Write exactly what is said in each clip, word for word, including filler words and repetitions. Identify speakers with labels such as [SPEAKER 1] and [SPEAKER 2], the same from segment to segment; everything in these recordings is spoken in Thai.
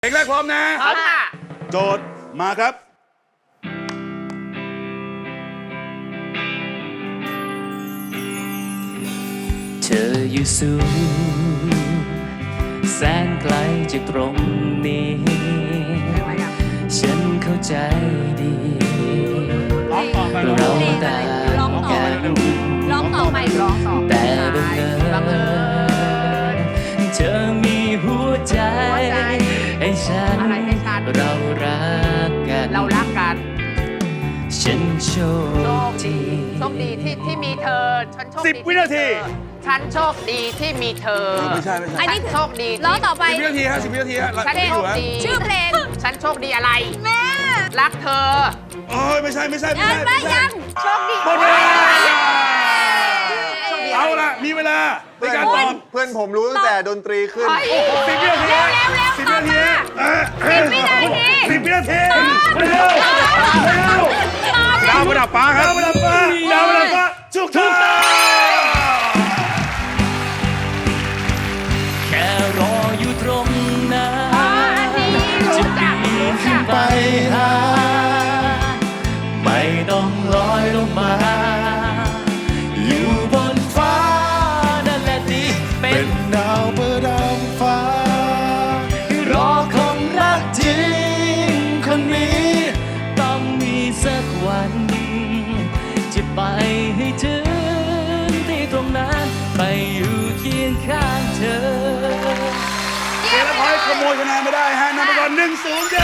[SPEAKER 1] เพลงแรกพร้อมนะ
[SPEAKER 2] พร้อมค่ะ
[SPEAKER 1] โจทย์มาครับ
[SPEAKER 3] เธออยู่สูงแสนไกลจากตรงนี้ฉันเข้าใจดีเราต่างกัน
[SPEAKER 2] ร้องต่อไปร้องต่อ
[SPEAKER 3] แต่บังเอิญเธอมีหัวใจให้ฉันเรารักกัน
[SPEAKER 2] เรารักกัน
[SPEAKER 3] ฉันโชคดี
[SPEAKER 2] โชคดีที่ที่มีเธอฉันโชคดี
[SPEAKER 1] สิบวินาที
[SPEAKER 2] ฉันโชคดีที่มีเธอ
[SPEAKER 1] ไม่ใช่ไม่ใช่
[SPEAKER 2] อันนี้โชคดี
[SPEAKER 4] ร้องต่อไป
[SPEAKER 1] สิบวินาทีฮะสิบวินาทีฮะ
[SPEAKER 2] ฉันโชคดี
[SPEAKER 4] ชื่อเพลง
[SPEAKER 2] ฉันโชคดีอะไร
[SPEAKER 4] แม่
[SPEAKER 2] รักเธอ
[SPEAKER 1] โอ้ยไม่ใช่ไม่ใช่ไม่
[SPEAKER 4] ยั
[SPEAKER 1] ใช่
[SPEAKER 4] งไม่ยังโชคดี
[SPEAKER 1] หมดเวลาเอาละมีเวลาในการตอบ
[SPEAKER 5] เพื่อนผมรู้ตั้งแต่ดนตรีขึ้น
[SPEAKER 1] สิบวินาทีสิบวินาที
[SPEAKER 4] สิบวินาที
[SPEAKER 1] สิบวินาทีเร็วเร็วดาวประดับฟ้าครับดาวประดับฟ้าดาวประดับฟ้าถูกต้อง
[SPEAKER 3] แค่รออยู่ตรงนั้นจะปีนขึ้นไปหาไม่ต้องลอยลงมาอยู่บนฟ้านั่นแหละที่เป็นดาวประดับฟ้ารอคนรักจริงคนนี้ต้องมีสักวันจะไปให้ถึงที่ตรงนั้นไปอยู่เคียงข้างเธอ
[SPEAKER 1] เจรพอยขโมยคะแนนไม่ได้ฮะนำไปก่อนหนึ่งศูนย์จ้า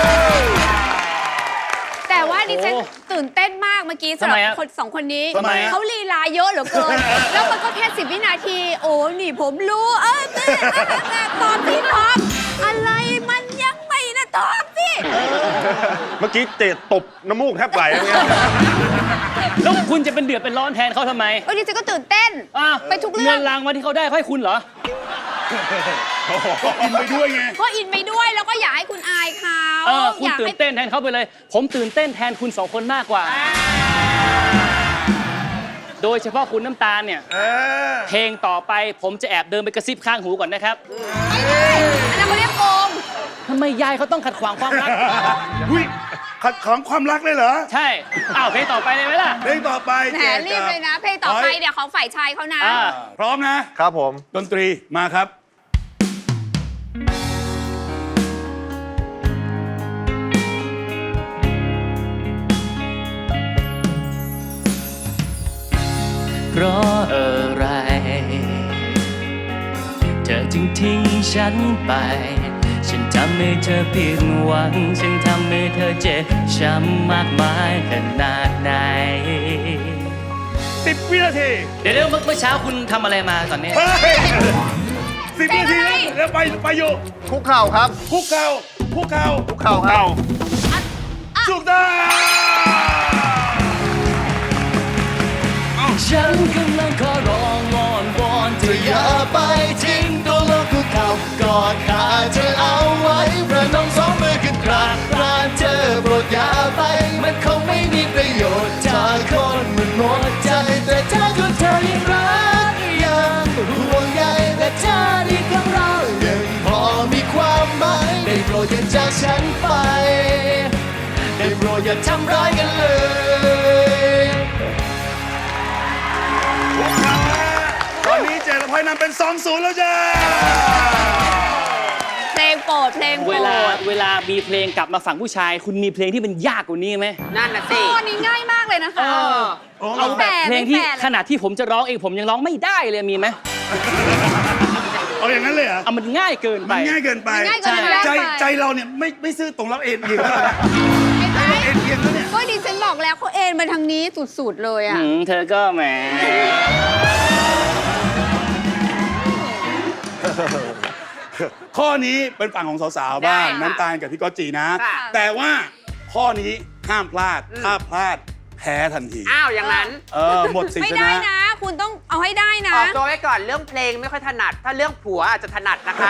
[SPEAKER 4] แต่ว่าดิฉันตื่นเต้นมากเมื่อกี้สำหรับคนสองคนนี้เขาลีลาเยอะเหลือเกินแล้วมันก็แค่สิบวินาทีโอ้หนี่ผมรู้เออตอบพี่ตอบอะไรมันยังไม่นะตอบสิ
[SPEAKER 5] เมื่อกี้เตะตบน้ำมูกแทบไหลอย่างเงี้ย
[SPEAKER 3] แล้วคุณจะเป็นเดือดเป็นร้อนแทนเขาทำไม
[SPEAKER 4] เออดิฉันก็ตื่นเต้นไปทุกเรื่อง
[SPEAKER 3] เงินรางวัลที่เขาได้ให้คุณเหรอ
[SPEAKER 1] ก็อินไปด้วยไง
[SPEAKER 4] ก็อินไปด้วยแล้วก็อยากให้คุณอายเขา
[SPEAKER 3] เออคุณตื่นเต้นแทนเขาไปเลยผมตื่นเต้นแทนคุณสองคนมากกว่าโดยเฉพาะคุณน้ำตาลเนี่ยเพลงต่อไปผมจะแอบเดินไปกระซิบข้างหูก่อนนะครับ
[SPEAKER 4] ไม่ใช่อันนั้นเขาเรียกโกง
[SPEAKER 3] ทำไมยายเขาต้องขัดขวางความรัก
[SPEAKER 1] หุ้ยขัดขวางความรักเลยเหรอ
[SPEAKER 3] ใช่อ้าวเพลงต่อไปเลยไหมล่ะ
[SPEAKER 1] เพลงต่อไป
[SPEAKER 4] แหมรีบเลยนะเพลงต่อไปเดี๋ยวของฝ่ายชายเขานะ
[SPEAKER 1] พร้อมนะครับ
[SPEAKER 5] ผม
[SPEAKER 1] ดนตรีมาครับ
[SPEAKER 3] เพราะอะไรเธอจึงทิ้งฉันไปฉันทำให้เธอผิดหวังฉันทำให้เธอเจ็บช้ำมากมายขนาดไหน
[SPEAKER 1] สิบวินาที
[SPEAKER 3] เดี๋ยวเมื่อเช้าคุณทำอะไรมาตอนนี้
[SPEAKER 1] สิบวินาทีแล้วไปไปอยู่
[SPEAKER 5] คุกเข่าครับ
[SPEAKER 1] คุกเข่าคุกเข่า
[SPEAKER 5] คุกเข่าครับ
[SPEAKER 1] ถูกต้อง
[SPEAKER 3] ฉันกำลังขอร้องวอนวอนเธออย่าไปทิ้งตัวลงคุกเข่ากอดขาเธอเอาไว้ประนมสองมือขึ้นกราบกรานเธอโปรดอย่าไปมันคงไม่มีประโยชน์จากคนมันหมดใจแต่ถ้าตัวเธอยังรักยังห่วงใยและเธอที่ของเรายังพอมีความหมายได้โปรดอย่าจากฉันไปได้โปรดอย่าทำร้ายกันเลย
[SPEAKER 1] ตอนนี้เจรพอยนำเป็น สองศูนย์ แล้วจ้า
[SPEAKER 4] เพลงโปรดเพลงโปรด
[SPEAKER 3] เวลาเวลามีเพลงกลับมาฝั่งผู้ชายคุณมีเพลงที่มันยากกว่านี้ไหม
[SPEAKER 2] นั่นน่ะสิ
[SPEAKER 4] ข้อนี้ง่ายมากเลยนะคะ
[SPEAKER 3] เอาแบบเพลงที่ขนาดที่ผมจะร้องเองผมยังร้องไม่ได้เลยมีไหม
[SPEAKER 1] เอาอย่างนั้นเลยเหรอ
[SPEAKER 3] เอามันง่ายเกินไป
[SPEAKER 1] มันง่ายเกินไปใจใจเราเนี่ยไม่ไม่ซื่อตรงรับเอ็นเอียงแล้วนะเอ็นเอียงแล้วเนี่ย
[SPEAKER 4] ก็ดิฉันบอกแล้วเขาเอ็นมาทางนี้สุดๆเลยอ่ะ
[SPEAKER 3] เธอก็แหม
[SPEAKER 1] ข้อนี้เป็นฝั่งของสาวๆบ้างน้ำตาลกับพี่ก๊อตจีนะแต่ว่าข้อนี้ห้ามพลาดถ้าพลาดแพ้ทันที
[SPEAKER 2] อ้าวอย่างนั้น
[SPEAKER 1] เออหมดสิทธิ์ชนะ
[SPEAKER 4] ไม่ได้นะคุณต้องเอาให้ได้นะ
[SPEAKER 2] ออกตัวไว้ก่อนเรื่องเพลงไม่ค่อยถนัดถ้าเรื่องผัวอาจจะถนัดนะคะ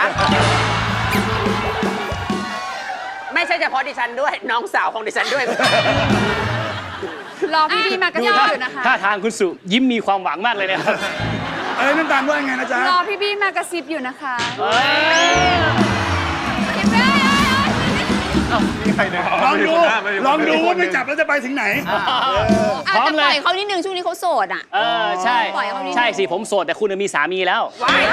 [SPEAKER 2] ไม่ใช่เฉพาะดิฉันด้วยน้องสาวของดิฉันด้วย
[SPEAKER 4] รอพี่ๆมากระซิบอยู่นะคะ
[SPEAKER 3] ท่าทางคุณสุยิ้มมีความหวังมากเลยนะครับ
[SPEAKER 1] เอ้ยน้ำตาลว่าไงนะจ๊ะ
[SPEAKER 4] รอพี่ๆมากระซิบอยู่นะคะ
[SPEAKER 5] ใช่นะ
[SPEAKER 1] ลองดู
[SPEAKER 5] ไม่ใช่คนหน้าไม่ใช่คนหน้า
[SPEAKER 1] ลองดูว่าไม่จับแล้วจะไปถึงไหน
[SPEAKER 4] อ่ะ
[SPEAKER 3] พร้อม
[SPEAKER 4] แต่
[SPEAKER 3] เล
[SPEAKER 4] ปล่อย ยเขานิดนึงช่วงนี้เขาโสดอ่ะ
[SPEAKER 3] เออใช่
[SPEAKER 4] ปล่อยเขานิดนึง
[SPEAKER 3] ใช่สิผมโสดแต่คุณมีสามีแล้ว
[SPEAKER 2] ว้าย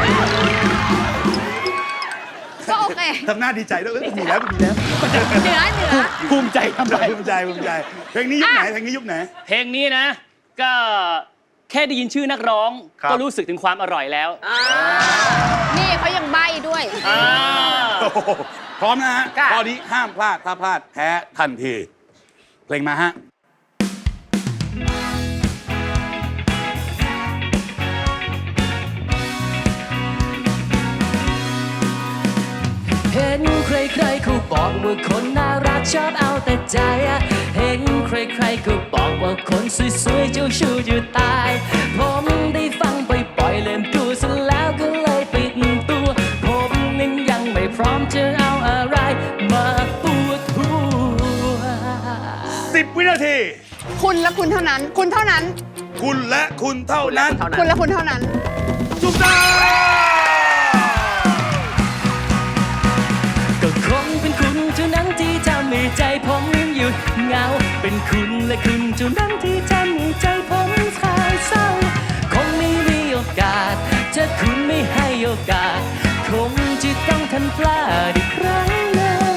[SPEAKER 4] ก็โอเค
[SPEAKER 1] ทำหน้าดีใจด้วยเอ้ยมีแล้วมีแล้ว
[SPEAKER 4] เหนือเหนือ
[SPEAKER 3] ภูมิใจทำไม
[SPEAKER 1] ภูมิใจภูมิใจเพลงนี้ยุคไหนเพลงนี้ยุคไหน
[SPEAKER 3] เพลงนี้นะ ก็แค่ได้ยินชื่อนักร้อง
[SPEAKER 5] ครับ
[SPEAKER 3] ก็รู้สึกถึงความอร่อยแล้ว
[SPEAKER 4] นี่เขายังใบ้ด้วย
[SPEAKER 3] อ่า
[SPEAKER 1] โอ้โหพร้อมนะฮะ
[SPEAKER 2] ค่ะ
[SPEAKER 1] ข้อนี้ห้ามพลาด ถ้าพลาดแพ้ทันที เพลงมาฮะ
[SPEAKER 6] เห็นใครๆเขาบอกว่าคนน่ารักชอบเอาแต่ใจ เห็นใครๆก็บอกว่าคนสวยๆเจ้าชู้อยู่ตาย ผมได้ฟังบ่อยๆเล่นดูซะแล้วก็เลยปิดตัว ผมนั้นยังไม่พร้อมจะเอาอะไรมาปวดหัว
[SPEAKER 1] สิบ วินาที
[SPEAKER 7] คุณและคุณเท่านั้น คุณเท่านั้น
[SPEAKER 1] คุณและคุณเท่านั้น
[SPEAKER 2] เท่านั้น
[SPEAKER 7] คุณและคุณเท่านั้น
[SPEAKER 1] ถูกต้อง
[SPEAKER 6] ก็คงเป็นคุณเท่านั้นที่ทำให้ใจผมหยุดเหงา เป็นคุณและคุณเท่านั้นที่ทำให้ใจผมคลายเศร้า คงไม่มีโอกาสถ้าคุณไม่ให้โอกาส คงจะต้องทำพลาดอีกครั้งหนึ่ง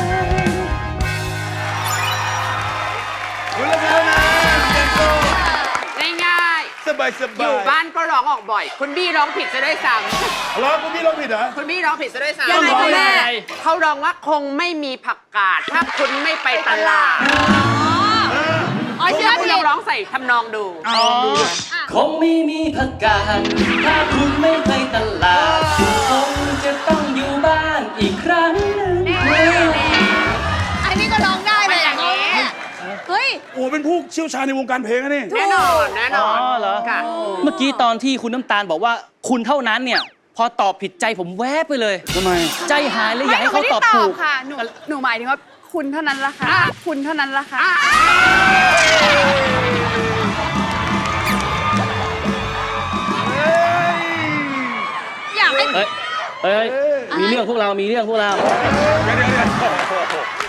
[SPEAKER 1] คุณและคุณเท่านั้นเจนโต
[SPEAKER 2] ง่าย
[SPEAKER 1] สบายส
[SPEAKER 2] ๆ
[SPEAKER 1] บาย
[SPEAKER 2] อยู่บ้านก็ร้องออกบ่อย คุณบี้ร้องผิดซะด้วยซ้
[SPEAKER 1] ร้องคุณพี่ร้องผิดเหรอ
[SPEAKER 2] ำคุณบี้ร้องผิดซะด้วยซ้ำ
[SPEAKER 4] ยังไงคุณแม่
[SPEAKER 2] เขาร้องว่าคงไม่มีผักกาดถ้าคุณไม่ไปตลาด
[SPEAKER 4] อ๋อเชื่อ
[SPEAKER 2] คุณ
[SPEAKER 4] ผิ
[SPEAKER 2] ลอ
[SPEAKER 4] ด
[SPEAKER 2] งร้องใส่ทำนองดู
[SPEAKER 1] เอาลองดูเลย
[SPEAKER 6] คงไม่มีผักกาดถ้าคุณไม่ไปตลาด คงจะต้องอยู่บ้านอีกครั้งหนึ่ง
[SPEAKER 4] อันนี้ก็ร้องได้เลย
[SPEAKER 2] มันอย่างนี้
[SPEAKER 4] นี้เฮ้ย
[SPEAKER 1] โอ้เป็นผู้เชี่ยวชาญในวงการเพลงนะนี่
[SPEAKER 2] แน่นอนแน่นอน
[SPEAKER 3] อ๋อเหรอ
[SPEAKER 2] ค่ะ
[SPEAKER 3] เมื่อกี้ตอนที่คุณน้ำตาลบอกว่าคุณเท่านั้นเนี่ย พอตอบผิดใจผมแวบไปเลย
[SPEAKER 1] ทำไม
[SPEAKER 3] ใจหายเลยอยากให้
[SPEAKER 7] ไม่
[SPEAKER 3] เขา
[SPEAKER 7] หนู
[SPEAKER 3] ตอบ
[SPEAKER 7] ไม่ได้
[SPEAKER 3] ถูก
[SPEAKER 7] ค่ะ หนู หนูหมายถึงว่าคุณเท่านั้นละค่ะ คุณเท่านั้นละค่ะ
[SPEAKER 4] อยากให้
[SPEAKER 3] เอ้ยเอ้ย มีเรื่องพวกเรา มีเรื่องพวกเรา
[SPEAKER 1] เดี๋ยวเดี๋ยวเดี๋ยว